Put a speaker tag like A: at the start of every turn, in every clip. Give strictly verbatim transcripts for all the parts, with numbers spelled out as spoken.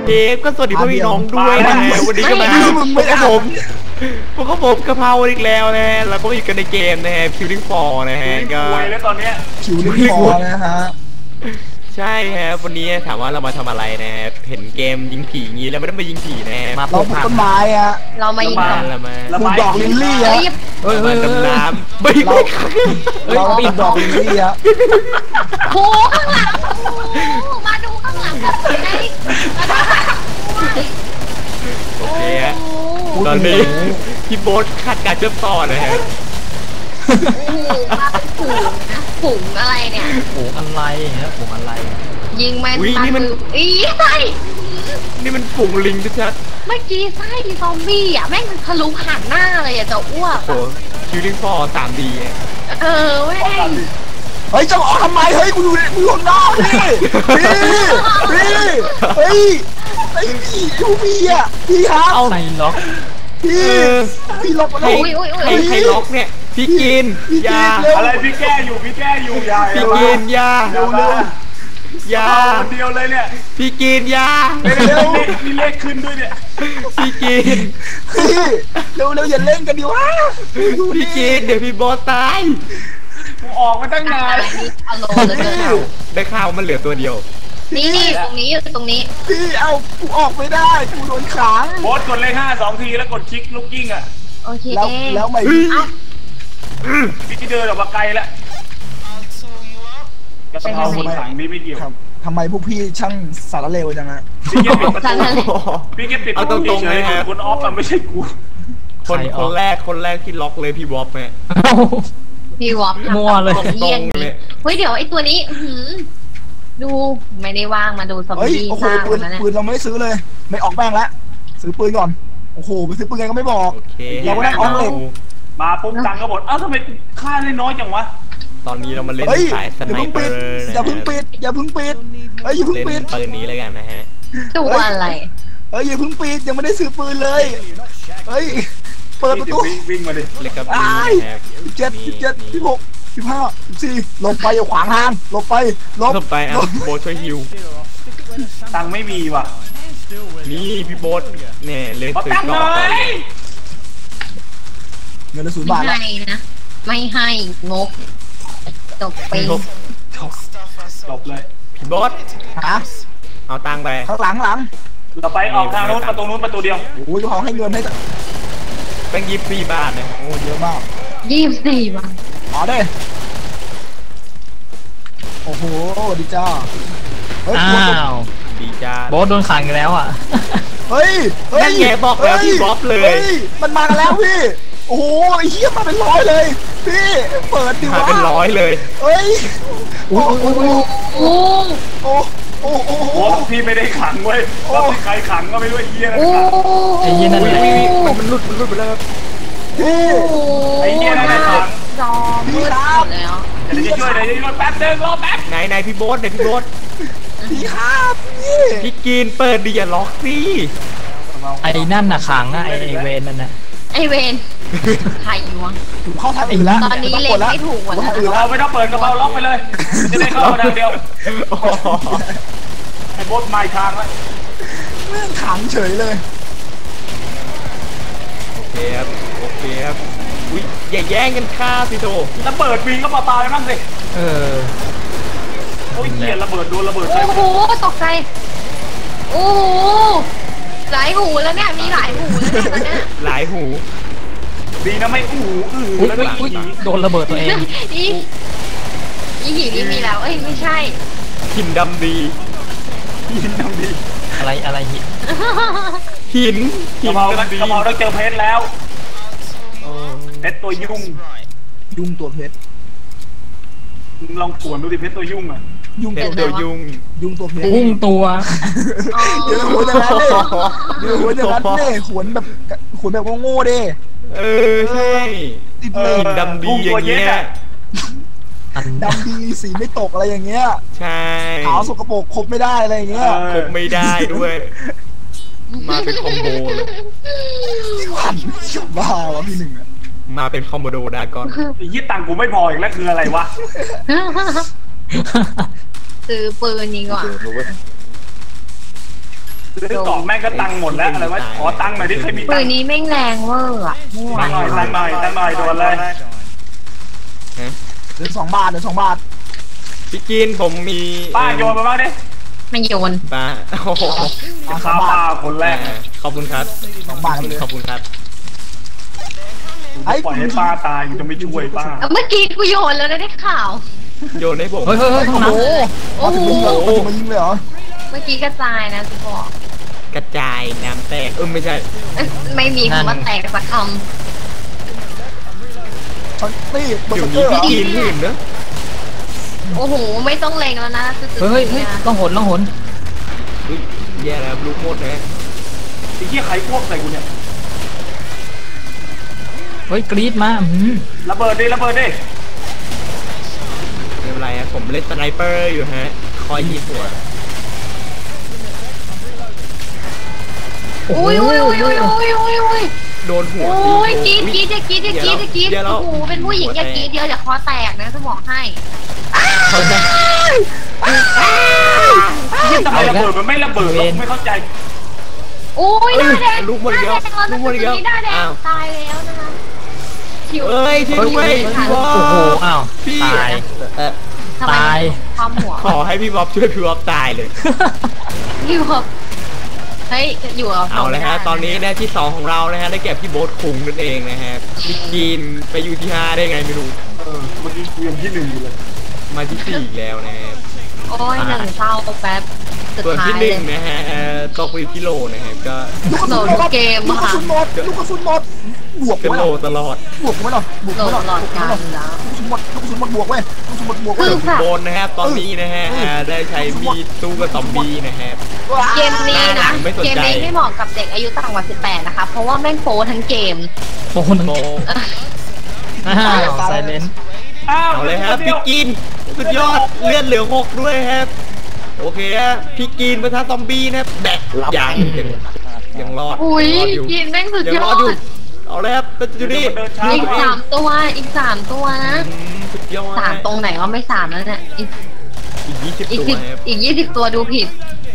A: เอฟก็สวัสดีพ่อพี่น้องด้วยนะฮะวันนี้ก็มาพวกผมพวกผมกะเพราอีกแล้วนะฮะแล้วก็อยู่กันในเกมนะฮะ Killing Floor นะฮะก็
B: แล้วตอนเนี้ย
C: Killing Floor นะฮะ
A: ใช่ครับวันนี้ถามว่าเรามาทำอะไรนะเห็นเกมยิงผีงี้แล้วไม่ได้มายิงผีนะมา
C: เราปลูกต้นไม้อะ
D: เรามายิง
A: เรามา
C: ปลูกดอกลิลลี่อะ
A: เฮ้ยดำน้ำไม่
C: เราเราปลูกดอกลิลลี่อะ
D: โอ้ข้างหลังมาดูข้างหลังกันเลย
A: โอเคฮะตอนนี้พี่โบ๊ทคาดการเชื่อมต่อนะฮะ
D: โอ้โหมาเป็นฝูงนะฝูงอะไรเนี่ย
E: ฝูงอะไรฮะฝูงอะไร
D: ยิงแมนตาคืออีไส้
A: นี่มันฝูงลิงชัด
D: เมื่อกี้ไส้ซอมบี้อ่ะแม่งทะลุผ่านหน้าเลยอ่ะจะอ้วก
A: โอ้คิวลิงฟอร์สามดี
D: เออเว้ย
C: เฮ้ยจะออกทำไมเฮ้ยกูอยู่ในกูอยู่นอกพี่พี่พี่เฮ้ยไอ้พี่ยูพี่อ่ะพี่ครับ
E: เอาไหนล็อก
C: พี่พี่ล็อก
A: ใครใครล็อกเนี่ยพี่กินยา
B: อะไรพี่แก้อยู่พี่แก้อยู่ยา
A: พี่กินยา
B: เร็วเร็วยาคนเดียวเลยเนี่ย
A: พี่กินยา
B: เร็วมีเลขขึ้นด้วยเนี่ย
A: พี่กิน
C: พี่เร็วเร็วอย่าเล่นกันดิวะ
A: พี่กินเดี๋ยวพี่บอสตาย
B: กูออกมาตั้งนาน
A: ได้ข่าวมันเหลือตัวเดียว
D: นี่นี่ตรงนี้อยู่ตรงนี้
C: พี่เอากูออกไม่ได้กูโดนขัง
B: บอสกดเลขห้าสองทีแล้วกดคลิกลูกกิ้งอ่ะ
D: โอเค
C: แล้วแล้วไม่
B: พี่เดินออกมาไกลแล้วกระเพราคนสั่งนี้ไม่เกี่ยว
C: ทำไมพวกพี่ช่างสารเลวจังฮะ
B: พี่เก็บปิดประตูพี่เก็บปิดประตูตรงเลยฮะคุณออฟมันไม่ใช่กู
A: คนคนแรกคนแรกที่ล็อกเลยพี่วอฟแม่
D: พี่วอฟ
E: มั่วเลย
D: เยี่ยงเลยเฮ้ยเดี๋ยวไอ้ตัวนี้ดูไม่ได้ว่างมาดูซอมบี้
C: สร้างนะเนี่ยปืนเราไม่ซื้อเลยไม่ออกแป้งแล้วซื้อปืนก่อนโอ้โหไปซื้อปืนไงก็ไม่บอกเราก็ได้ออกเลย
B: มาปุ๊บตังก็หมดเอ้าทำไมค่าได้น้อยจังวะ
A: ตอนนี้เรามาเล่นสายสไนเปอร์
C: อย่าเพิ่งปิดอย่าเพิ่งปิดเฮ้ยอย่าเพิ่งปิด
A: ปืนนี้เลยกันนะฮะ
D: ตัวอะไร
C: เฮ้ยอย่าเพิ่งปิดยังไม่ได้ซื้อปืนเลยเฮ้ยเปิดประตู
B: วิ่งมาดิ
A: เล็กกับ
C: เจ็ดสิบเจ็ดสิบหกสิบห้าสิบสี่หลบไปอย่าขวางทางหลบไป
A: หลบไปอ่ะโบช่วยฮิว
B: ตังไม่มีว่ะ
A: นี่พี่โบ๊ทเนี่ยเลยซื้อก่อน
C: เงินละศูนย์บาท
D: ไม่ให้นะไม่ให้งกจบไป
B: จบเลย
A: พี่โบ๊ท
C: ฮะ
A: เอาตังไป
C: ข้างหลังหลัง
B: เราไปออกทางโน้นประตูโน้นประตูเดียว
C: โอ้ยเขาให้เงินให้
A: เป็นยี่สิบสี่บาทเนี่ย
C: โอ้เยอะมาก
D: ยี่สิบสี่บาท
C: อ๋อได้โอ้โหดีจ้า
E: อ้าว
A: ดีจ้า
E: โบ๊ทโดนขังแล้วอ่ะ
C: เฮ้ย
A: นั่นไงบอกแล้วพี่บ๊อบเลย
C: มันมากันแล้วพี่โอ้โหไอ้เหี้ยมาเป็นร้อยเลยพี่เปิดดิวะ
A: มาเป็นร้อยเลย
C: เฮ้ย
D: โอ้โหโอ้
C: โอ้โอ้โอ้โอ้
B: พี่ไม่ได้ขังเว้ยว่าใครขังก็ไม่รู้ไอ้เหี้ยนะ
E: ไอ้เหี้ยนั่นแหละ
A: มันมันหลุดมันหลุดไปแล้ว
C: พี่
B: ไอ้เหี้ยนั่นแหละขัง
D: จอมมืดแล้ว
B: เดี๋ยวจะช่วยเดี๋ยวจะช่วยแป๊บนึงรอแป๊บ
A: ไหนไหนพี่โบ๊ทไหนพี่โบ๊ท
C: พี่ครับ
A: พี่กินเปิดดิอย่าล็อกสิ
E: ไอ้นั่นน่ะขังอ่ะไอ้เวนนั่นน่ะ
D: ไอเวนใครวะ
C: เข้าทางอื่นแล้ว
D: ตอนนี้เล็งไม่ถูกหมดแล้ว
B: เราไม่ต้องเปิดกระเป๋าล็อกไปเลยจะได้เข้าทางเดียวไอ้โบ๊ทไม่ทางแล้ว
C: เรื่องขังเฉยเลย
A: โอเคครับโอเคครับอุ้ยอย่าแย่งกันฆ่าสิโถ
B: ระเบิดวิ่งก็มาตายบ้างสิ
E: เออ
B: โอ้ยเหี้ยระเบิดโดนระเบิด
D: โอ้โหตกใจโอ้โหหลายหูแล้วเนี่ยมีหลายหูแล้วเนี่ย
A: หลายหู
B: ดีนะไม่อู้อื้อแล้ว
E: โดนระเบิดตัวเอง
D: อีอีหินนี่มีแล้วเอ้ยไม่ใช่
A: หินดำดี
B: หินดำดี
E: อะไรอะไรหิน
A: หิน
B: กระเพรากระเพราต้องเจอเพชรแล้วเพชรตัวยุ่ง
C: ยุ่งตัวเพชร
B: ลองขวนดูดิเพชรตัวยุ่งอ่ะ
C: ยุ่งตัว
A: ยุ่ง
C: ยุ่งตัวเพชร
E: ยุ่งตัว
C: เดี๋ยวหัวจะรัดเลยเดี๋ยวหัวจะรัดเลยขวนแบบขวนแบบโง่ๆดิ
A: เออใช่
C: ติด
A: เลยดำดีอย่างเงี้ย
C: ดำดีสีไม่ตกอะไรอย่างเงี้ย
A: ใช่
C: ขาวสกปรกคบไม่ได้อะไรอย่างเงี้ย
A: คบไม่ได้ด้วยมาเป็นคอมโบเลย
C: ที่ขวัญชอบบ้าวะพี่หนึ่งอะ
A: มาเป็นคอมโบโดดากอน
B: ยี่ตังกูไม่พออีกแล้วคืออะไรวะ
D: ซื้อปืนยิงก่อน
B: ซื้อกล่องแม่งก็ตังค์หมดแล้วอะไรวะขอตังค์หน่อยที่เคยมี
D: ปื
B: ตัง
D: น
B: ค์
D: นี้แม่งแรงเวอร์อะไม่ไหว
B: ตังค์หน่อยตังค์หน่อยตังค์หน่อยโดนเลย
C: เหลือสองบาทเหลือสองบาท
A: พี่กินผมมี
B: ป้าโยนมาบ้างดิ
D: ไม่โยน
A: ป้าโอ้โห
B: ข้าวป้าคนแรก
A: ขอบคุณครับ
C: สองบาทเลย
A: ขอบคุณครับ
B: ปล่อยให้ป้าตายกูจะไม่ช่วยป้า
D: เมื่อกี้กูโยนแล้วนะได้ข่าว
A: โยนให้ผม
E: เฮ้ยเฮ้ยเฮ้ยห้องน้
C: โอ้โห
D: โอ้โห
C: มายิงเลยเหรอ
D: เมื่อกี้กระจายนะจะบอก
A: กระจายน้ำแตกเออไม่ใช่
D: เอ้ยไม่มีคำว่าแตกสักค
C: นี่เบอ
A: เดี๋ยว
C: ร์เก
A: นี้
C: อร์เหร
A: พี่
C: อ
A: กินหื่นเนอะ
D: ำโอ้โหไม่ต้องเลงแล้วนะคือ
E: ำเฮ้ยเฮ้ยต้องหนต้องหน
A: อุ๊ยแย่แล้วลูกโมดนะ
B: ไอ้เหี้ยใครพวกใส่กูเนี่ย
E: เฮ้ยกรี๊ดมาอืม
B: ระเบิดดิระเบิดดิ
A: ไม่เป็นไรอะผมเล่นสไนเปอร์อยู่ฮะคอยยิงหัว
D: อุ้ยอุ้ยอุ้ยอุ้ยอุ้ยอุ้ยอุ้ย
A: โดนหัว
D: โอ้ยกรีดกรีด
A: อุ๊
D: จะกรีดจะกรีดจะกรีด
A: เดี๋ยวเรา
D: โอ้โหเป็นผู้หญิงอย่ากรีดเดียวอย่าคอแตกนะจะบอกให้
A: เขาจะ
B: ทำไมระเบิดมันไม่ระเบิดวะไม่เข้าใจ
D: โอ้ยหน้าแดง
A: ลูกหมดอีกแล้ว
D: ห
A: ลูกหมดอีกแล้ว
D: หน้าแดง
A: อ้าว
D: ตายแล้วนะคะชิว
A: เอ้ยช่วยด้วยพี่บอ
E: โอ้โห
A: บ
E: อ้าว
A: พี่
E: ตาย
A: เอ่อ
D: ทำไม
E: ตาย
D: ความหัว
A: ขอให้พี่บอบช่วยพี่บอบตายเลย
D: อยู่กับเฮ้ยอยู่กับ
A: เอาเลยฮะตอนนี้นะที่สองของเรานะฮะได้แก่พี่โบ๊ทคุงนั่นเองนะฮะพี่กินไปอยู่ที่ห้าได้ไงไม่รู้
B: เออเมื่อกี้กูยังที่หนึ่งอยู่เลย
A: มาที่สี่อีกแล้วนะฮะ
D: โอ้ยหนึ่งเศร้าแป๊บสุด
A: ส่วน
D: ท้าย
A: ที่ห
D: เล
A: นึ่
D: ย
A: งนะฮะเอ่อตกไปอยู่ที่โลนะฮะก็
D: โหลดเกม
C: ลูกกระ
D: ค่ะ
C: สุนหมดลูกกระสุนหมดบวก
A: เป็น
C: ไว้
A: โล
C: หรอ
A: ตลอด
C: บวกไว้หรอบวก
D: โหล
C: ไว้
D: ด
C: หรอ
D: หลอดการแล้ว
C: ลูกกระสุนหมดลูกกระสุนหมดบวกไว้ลูกกระสุนหมดบวกไว้
D: คือ
A: โบนนะครับตอนนี้นะฮะเอ่อได้ใช้มีดสู้กับซอมบี้นะฮะ
D: เกมนี้นะ
A: ไม่สนใจ
D: เกมนี้ไม่เหมาะกับเด็กอายุต่ำกว่าสิบแปดนะคะเพราะว่าแม่งโป๊ทั้งเกม
E: โอ้โห
A: โบ
E: อ้าวไซเลน
B: อ้าว
A: เอาเลยครับพี่กินสุดยอดเลือดเหลือหกด้วยครับโอเคฮะพี่กินประทะซอมบี้นะครับแบกยังยังยังรอด
D: อุ้ย
A: งรอดอยู่
D: กินแม่งสุด
A: ยัง
D: ย
A: ร
D: อ
A: อด
D: ด
A: อยู่เอาเลยครับแต่อยู่นี่
B: เดินช้า
D: อีกสามตัวอีกสามตัวนะ
A: อืมสุดยอด
D: สามตรงไหนก็ไม่สามแล้วเนี่ยอีก
A: อีกยี่สิบ
D: อีก
A: ตัว
D: สิบ
A: ครับ
D: อีกยี่สิบตัวดูผิด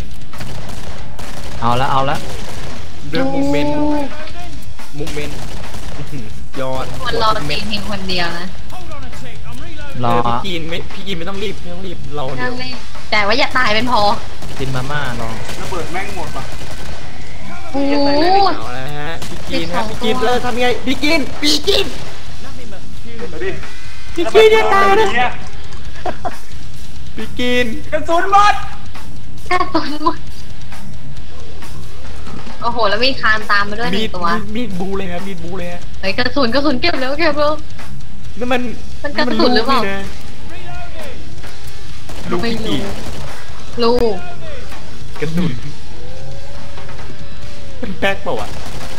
E: เอาละเอาละ
A: ด้วยมูเมนต์มูเมนต์ยอด
D: คนรอตีเพียงคนเดียวนะ
E: รอ
A: เออพี่กินไม่พี่กินไม่ต้องรีบไม่ต้องรีบเราเดี๋
D: นั่
A: ยว
D: งไม่แต่ว่าอย่าตายเป็นพอ
E: กินมาม่ารอ
B: ระเบิดแม่งหมดป่ะ
D: โอ้โห
A: เอาละฮะพี่กินฮะ
D: สิบสอง
A: พี่กิน
D: ตัว
A: เออทำไงพี่กินพี่กิน
B: เดี๋ยวดิ
A: พี่กินอย่าตายนะ
B: เย
A: พี่กิน
B: กระสุนหมด
D: แค่ตัวหมดโอ้โห แล้วมีคานตามมาด้วยห
A: มี
D: นึ่
A: ด
D: งตัว
A: มีดบูเลยครับมีดบูเลยฮะ
D: เฮ้ยกระสุนกระสุนเก็บแล้วเก็บแล้ว
A: นั่นมัน
D: มันกระสุนหรือเปล่า
A: ลูก
D: ไม่
A: พี่
D: รู้
A: กิน
D: ลูก
A: กระสุนเป็นแป๊กเปล่าวะ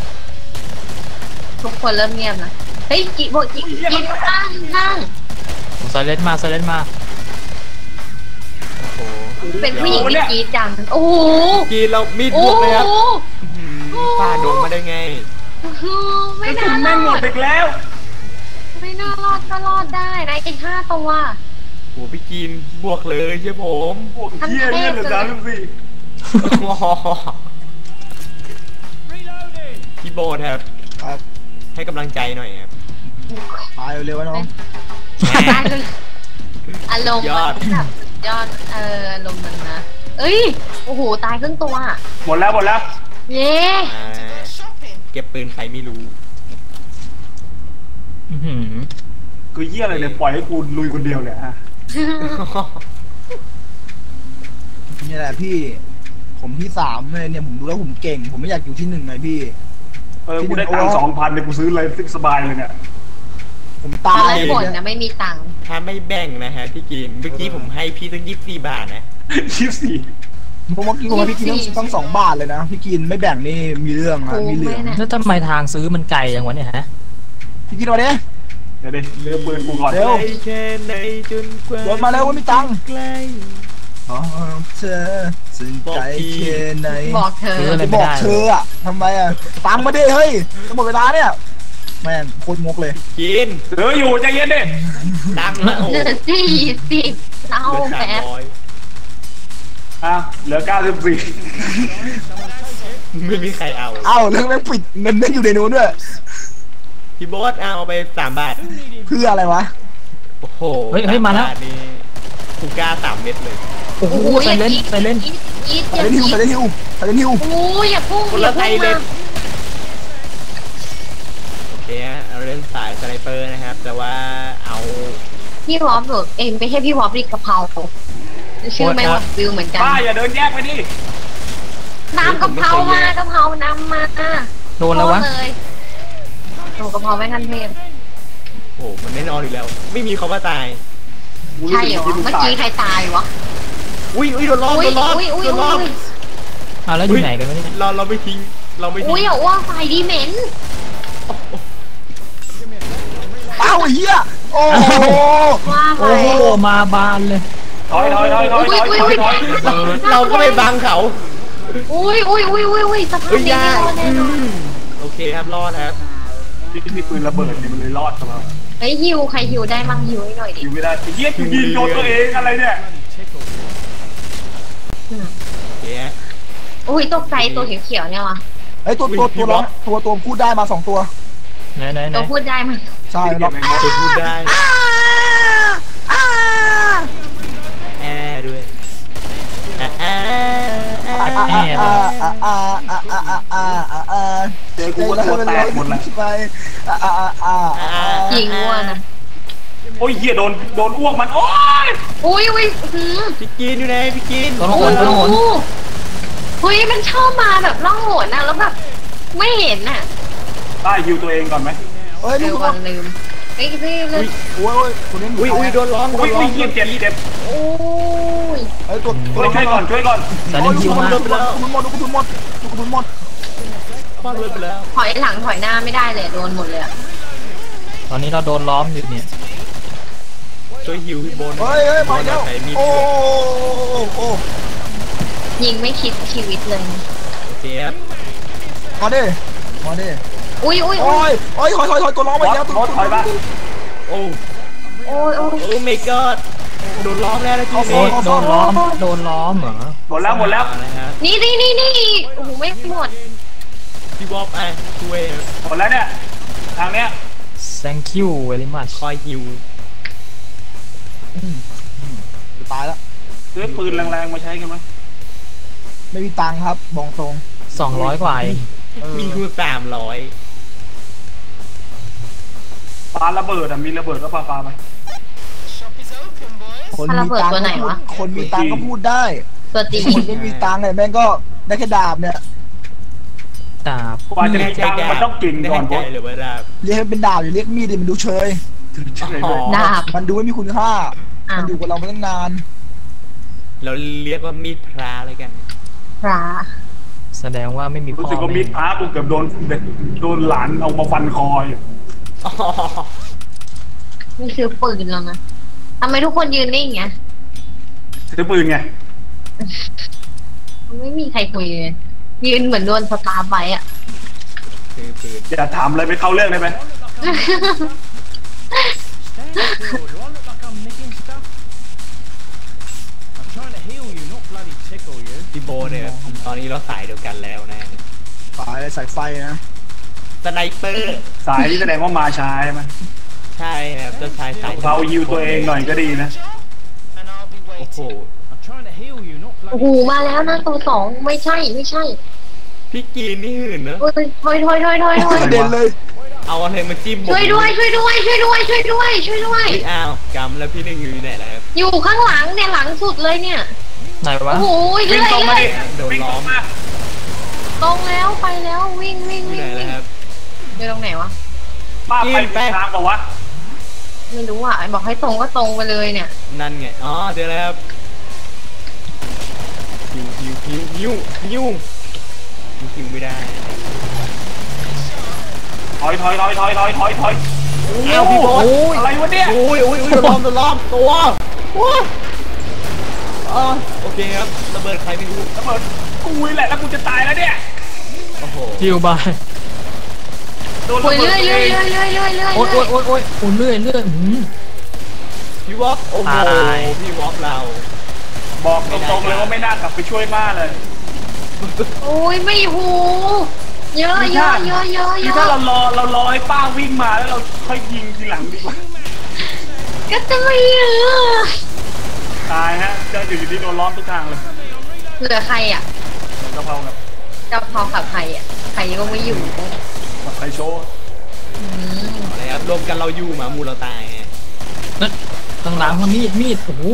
D: ทุกคนเริ่มเงียบนะเฮ้ยกิโบกิกินข้างข้าง
E: ไซเลนมาไซเลนมา
A: โอ้โห
D: เป็นผู้หญิงที่กรีดจังโอ้โห
A: กินเรามีด
D: โอ้
A: บวกเลยครับ
D: โห
A: อื้อหือฟาดโดนมาได้ไง
B: ก
D: ไม่
B: ระสุ
D: น่าน ร
B: แม่งหม
D: อ
B: ด
D: ด
B: อีกแล้ว
D: ไม่น่ารอดก็รอดได้นะไอ้ห้าตัว
A: โอ้พี่กินบวกเลยใช่ผม
B: พวกเหี้ยเลือดเหลือสามสิบสี่
A: พี่โบทครับ
C: ครับ
A: ให้กำลังใจหน่อยครับ
C: ตายเร็วๆน้อง
D: อารมณ์
A: ยอด
D: มันแบบยอดเอออารมณ์มันนะเอ้ยโอ้โหตายครึ่งตัว
B: หมดแล้วหมดแล้ว
D: เย้
A: อ่าเก็บปืนใครไม่รู้
E: อื้อหือ
B: คือเหี้ยอะไรเนี่ยปล่อยให้กูลุยคนเดียวเลยฮะ
C: นี่แหละพี่ ผมที่สามเลยเนี่ยผมดูแล้วผมเก่ง ผมไม่อยากอยู่ที่หนึ่งไงพี่
B: เออกูได้ตังค์สองพันเนี่ยกูซื้ออะไรสบายเลยเนี่ย
C: ผม
D: ต
C: ตา
D: อน
C: ย
D: แรก
C: เลย
D: บ่น
C: เนี่ย
D: นะไม่มีตังค์
A: ถ้าไม่แบ่งนะฮะพี่กินเมื่อกี้ผมให้พี่ตั้งยี่สิบสี่บาทนะ
B: ชิปสี่
C: ผมเมื่อกี้ผมให้พี่กินต้องต้องสองบาทเลยนะพี่กินไม่แบ่งนี่มีเรื่องนะ
D: โอ้
C: มีเหลื
D: ไม่
C: อง
D: นะ
E: แล้วทำไมทางซื้อมันไกลอย่างวะเนี่ยฮะ
C: พี่กินมาดิ
B: เดี๋ยวดิเลือกปืนกูก่อน
C: เร็ว
A: ไกลแค่ไหนจนกว่า
C: โดนมาแล้วว่ามีตังค์
A: ใกล้
C: อ๋อเธอสนใจแค่ไหน
D: บอกเธอ
E: ซื้ออะไร
C: จะบอกเธออะทำไมอะตังค์มาดิเฮ้ยจะหมดเวลาเนี่ยแม่งโคตรงกเลย
A: กิน
B: เสืออยู่ใจเย็นดิ
A: ดังนะโอ้
D: เหลือสี่สิบเศร้า
A: เหลือสาม
D: แป๊บ
A: ร้อย
B: อ่ะเหลือเก้าสิบสี่
A: ไม่มีใครเอา
C: เอ้าเรื่องแม่งปิดเงินแม่งอยู่ในนู้นด้วย
A: พี่โบ๊ทเอาไปสามบาท
C: เพื่ออะไรวะ
A: โอ้โห
E: เฮ้ยเฮ้ยมาแล้ว
A: สบทนี่คูก้าสามเม็ดเลย
E: โอ้โหไซเลนไซเลน
D: อีทอีท
C: ใส่
D: อย่า
C: เล่นฮิว
D: อี
C: ใส่
D: ท
C: เล่นฮิวใส่เล่นฮิว
D: โอ้ยอย่าพุ่ง
A: คน
D: อ
A: ละ
D: ย่า
A: ไท
D: พุ่
A: ย
D: ง
A: เล
D: มาย
A: โอเคฮะเราเล่นสายสไนเปอร์นะครับ แต่ว่าเอา
D: พี่วอฟหรือเองไม่ใช่พี่วอฟดิกะเพราชื่อไม่วอฟวิวเหมือนกัน
B: ป้าอย่าเดินแยกไปดิ
D: น้ำกะเพรามากะเพรานำมา
E: โดนแล้ววะ
D: โดเลยโอ้กะเพราไม่ทันเทพ
A: โอ้โหมันแน่นอนอยู่แล้ว ไม่มีเขาว่าตาย
D: ใช่เหรอเมื่อกี้ใครตายวะ
A: อุ้ยอุ้ยโดนล้อม
D: อุ้
A: โด
D: ย
A: นล้อม
D: อุ้ยอุ้ย
A: โดนล้อม
D: อุ้ย
E: อ่ะแล้วอยู่ไหนกันวะเนี่ย
A: เราเราไม่ทิ้งเราไม่ทิ้
D: อุ้ย
A: ง
D: อย่าอ้วกไฟดีเหม็น
C: เอ้าไอ้เหี้ยโอ้โห
D: ว่าไฟ
E: โอ้โหมาบานเลย
B: ถอยถอยถอยถอยถอยถอยถอย
A: เราก็ไม่บังเขา
D: อุ้ยอุ้ยอุ้ยอุ้ยอุ้ยสภาพ
A: เฮ้ย
D: นี้
A: ยา
D: ไม่รอดแน่นอน
A: โอเคครับรอดครับ
B: ที่มีปืนระเบิดเนี่ยมันเลยรอดเข้ามา
D: เฮ้ยฮิวใครฮิวได้มั่งฮิวให้หน่อยดิ
B: อยู่ไม่ได้ไอ้เหี้ยกูยิงโดนตัวเองอะไรเนี่ย
A: โอเคฮะ
D: อุ้ยตกใจตัวเขียวๆเนี่ยวะ
C: ไอ้ตัวตัวตัวร้องตัวตัวพูดได้มาสองตัว
E: ไหนไหนไหน
D: ตัวพูดได้มั้ย
C: ใช่ร้อง
A: จะพูดได้
C: อ้า
A: แอร์ด้วยแอร์แอร์แอ
C: อ่า
A: ร์
C: อ่าอ่าอ่าอ่าอ่าอ่าอ่าอ่า
B: เจอกูก็ตัวแตกหมดเลย
C: ไปอ่าอ่าอ่าอ่า
D: ยิงอ้วนนะ
B: โอ้ยเหี้ยโดนโดนอ้วกมันโอ้ย
D: อุ้ยอุ้ยหืม
A: พี่กินอยู่ไหนพี่กิน
E: ต้น
D: โอ้
E: โหนต้นโหน
D: โหเฮ้ยมันชอบมาแบบล่องหนนะแล้วแบบไม่เห็นน่ะ
B: ได้ฮิวตัวเองก่อนไหม
C: เฮ้ย
D: ลื
C: ลู
D: ม
C: ก
D: วันลืมเฮ้ยพี่ลืม
C: โอ้ยคุณเล่น
A: อุ้ยอุ้ยโดนล้อมโด
B: อุ้ย
A: นล้อ
B: อุ้ย
A: ม
B: เหี้ยเจ็บเจ็บ
D: โอ้ย
C: เฮ้ยตัวตัว
B: ช่วยก่อนช่วยก่อน
E: ไซเลนฮิวมา
C: ทุนหมดทุนหมดทุนหมดทุนหมด
A: คว้างเลยไปแล้ว
D: ถอยหลังถอยหน้าไม่ได้เลยโดนหมดเลยอะ
E: ตอนนี้เราโดนล้อมอยู่เนี่ย
A: ช่วยฮิวพี่โบน
C: เฮ้ยเฮ้ยมาแล้ว
A: ใส่มีด
C: โอ้โอ้
D: ยิงไม่คิดชีวิตเลย
A: โอเคครับ
C: มาดิมาดิ
D: อุ้ยอุ้ย
C: โอ้
D: อุ้ย
C: ยโอ้ยถอยถอยถอยตัวร้องไปแล้วตัว
B: ถอยบ้าง
A: โอ้
D: โอ้ยโอ้ย
A: โอ้ my god โดนล้อมแล้วนะพี่
E: โอ้ยโดนล้อมโดนล้อมเหรอ
B: หมดแล้วหมดแล้ว
A: นะครับ
D: นี่นี่นี่นี่โอ้โหไม่หมด
A: พี่บ๊อบอ่ะช่วย
B: หมดแล้วเนี่ยทางเนี้ย
E: thank you very much
A: คอยฮิว
C: ตายแล้ว
B: ซื้อปืนแรงๆมาใช้กันไหม
C: ไม่มีตังค์ครับบอกตรง
E: สองร้อยกว่าเอง
A: มีคูสามร้อย
B: ปาระเบิดอ่ะมีระเบิดก็ปาปาไป
C: คนมีตังค์คนมีตังค์ก็พูดได้
D: ตัวจริง
C: คนไม่มีตังค์เนี่ยแม่งก็ได้แค่ดาบเนี่ย
E: ดาบ
B: กว่าจะมีตังค์มันต้องเก่งก่อน
A: ใจ
B: บอส
A: หรือว่าดาบ
C: เรียกให้เป็นดาบอย่าเรียกมีดดิมันดูเชย
A: อ๋อ
D: ดาบ
C: มันดูไม่มีคุณค่า
D: อ้าว
C: มันอยู่กับเรามาตั้งนาน
A: เราเรียกว่ามีดพระอะไรกัน
D: พระ
E: แสดงว่าไม่มี
B: รู้
E: พ่อ
B: สึกว่ามี
E: แม่
B: พระกูเกือบโดนเด็กโดนหลานเอามาฟันคออยู่
A: อ๋อ
D: นี่คือปืนแล้วนะทำไมทุกคนยืนนิ่งเงี้ย
B: ซื้อปืนไง
D: ไม่มีใครคุยเลยยืนเหมือนโดนสตาร์ฟไว้อะ
A: คือปืน
B: อย่าถามอะไรไปเข้าเรื่องได้ไหม
A: พี่โบเนี่ยตอนนี้เราสายเดียวกันแล้วนะ
C: สายสายไฟนะ
A: สไนเปอร์
B: สายที่แสดงว่ามาช้าใช่ไหม
A: ใช่ครับเจ้าชายสาย
B: เราฮิวตัวเองหน่อยก็ดีนะ
A: โอ้โห
D: โอ้โหมาแล้วนะตัวสองไม่ใช่ไม่ใช่
A: พี่กีนนี่หื่นเนอะ
D: โอ้ยถอยถอยถอยถอยถอย
C: กระเด็นเลย
A: เอาอะไรมาจิ้มผม
D: ช่วยด้วยช่วยด้วยช่วยด้วยช่วยด้วยช่วยด้วย
A: เฮ้ยอ้าวกำแล้วพี่หนึ่งอยู่ไหนแล้วครับ
D: อยู่ข้างหลังเนี่ยหลังสุดเลยเนี่ย
E: ไหนวะ
D: โอ้โห
B: วิ่
D: เรื่
B: ง
D: อย
B: ตรงมา
D: เล
B: ดิ
D: ย
B: วิ่งตรงมา
D: ตรงแล้วไปแล้ววิ่งวิ่ง
A: อยู่
D: วิ่ง
A: ไหน
D: วิ่
A: แล้ว
D: ง
A: ครับ
D: อยู่ตรงไหนวะ
B: ป้าไปผิดทางเปล่าวะ
D: ไม่รู้อ่ะบอกให้ตรงก็ตรงไปเลยเนี่ย
A: นั่นไงอ๋อเจอแล้วครับฮิวฮิวฮิวฮิวฮิวฮิวไม่ได้
B: ถอยถอยถอยถอยถอยถอยถอย
A: เอ้าพี่โบ๊ท
B: อะไรวะเนี่ย
A: โอ้ยโอ้ยโอ้ยโดนล้อมโดนล้อมตัวว้าอ๋อโอเคครับระเบิดใครไม่รู้
B: ระเบิดกูนี่แหละแล้วกูจะตายแล้วเนี่ย
A: โอ้โห
E: ฮิวบาย
B: โดน
D: โอ้
B: ระ
D: ย
B: เบิ
D: เรื่
B: ด
D: อย
B: เอ
D: เรื่อย
B: ง
D: เรื่อยเรื่อยเรื่อยเรื่อย
E: โอ๊ยโอ๊ยโอ๊ยโอ๊ยโอ้เลื่อยเลื่อยหืม
A: พี่วอฟโอ้โห
E: ตาย
A: พี่วอฟเรา
B: บอกตรงๆเลยว่าไม่น่ากลับไปช่วยม่าเลย
D: โอ้ยไม่หูเยอะเยอะเยอะเยอะเย
B: คือถ้า
D: อะ
B: เรารอเรารอให้ป้าวิ่งมาแล้วเราค่อยยิงทีหลังดีกว่า
D: ก็จะไม่เยอะ
B: ตายฮะเจออยู่ที่โดนล้อมทุกทางเลย
D: เหลือใครอ่ะ
B: กะเพรากับ
D: เจ้าพอกับใครอ่ะใครก็ไม่อยู่
B: กับไข่โชว์
D: อืม
A: อะไรครับรวมกันเราอยู่หมามูเราตายไง
E: นั่นข้างหลังมันมีดมีดโอ้โห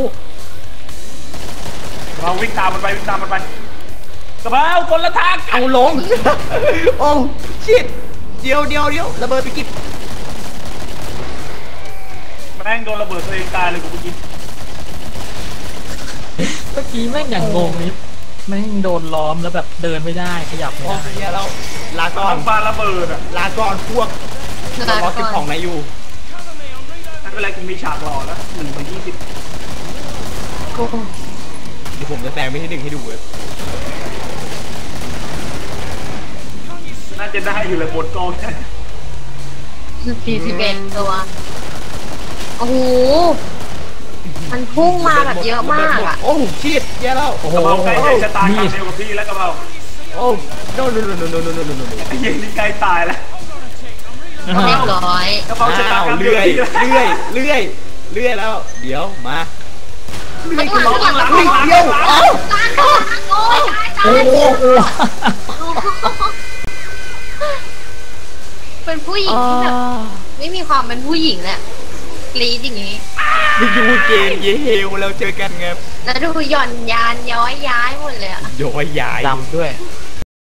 B: เราวิ่งตามมันไปวิ่งตามมันไปกะเพราคนละทาง
A: เอาลง โอ้ชิดเดียวเดียวเดียวระเบิดไปกิบ
B: แม่งโดนระเบิดตัวเองตายเลยกูเมื่อกี้
E: เมื่อกี้แม่งอย่างงงนิดแม่งโดนล้อมแล้วแบบเดินไม่ได้ขยับไม่
A: โอ้
E: ได้
A: เฮียเราลา
B: ต
A: ก่อ
B: อน นปาระเบิดอ่ะ
A: ลาก่อนพวก
D: เหลือ
A: เรารอเก็บ
D: ก่
A: ข
D: อ
A: อน งนายอยู่
B: ไม่เป็นไรกูมีฉากรอแล้วหนึ่งไปยี่สิบ
A: เดี๋ยวผมจะแซงไม่ให้หนึ่งให้ดูเลย
B: น่าจะได้อยู่เลยบนกอง
D: สี่สิบเอ็ดตัวโอ้โหมันพุ่งมาแบบเยอะมากอ่ะ
A: โอ้ชิดเฮียเรา
E: โอ้โห
B: กะเพราใกล้จะชะตากรร
E: มี
B: ม
E: ด
B: เดียวกับพี่แล้วกะเพรา
A: โอ้โนโนโนโนโนโนโนโนโน
B: ไอ้เหี้ยนี่ใกล้ตายแล้ว
D: เรียบร้อย
B: กะเพราชะตา
A: อ้าว
B: กรรมเดียว
A: เลื่อย
B: กับพี่แล้ว
A: เลื่อยเลื่อยเลื่อยแล้ว เดี๋ยวมา
D: มันหลังหลังหลัง
A: เฮ้ยเดี๋ยวเอ้า
D: ตายก่อนโอ้ยตายตา
E: โอ้
D: ย
E: โห
D: เป็นผู้หญิงที่แบบไม่มีความเป็นผู้หญิงแหละกรี๊ดอย่างนี้
A: วิยูเกมเยเฮลเราเจอกันไง
D: แล้วดูหย่อนยานย้อยย้ายหมดเลยอะ
A: ย้อยยาย
E: ดำด้วย
A: โ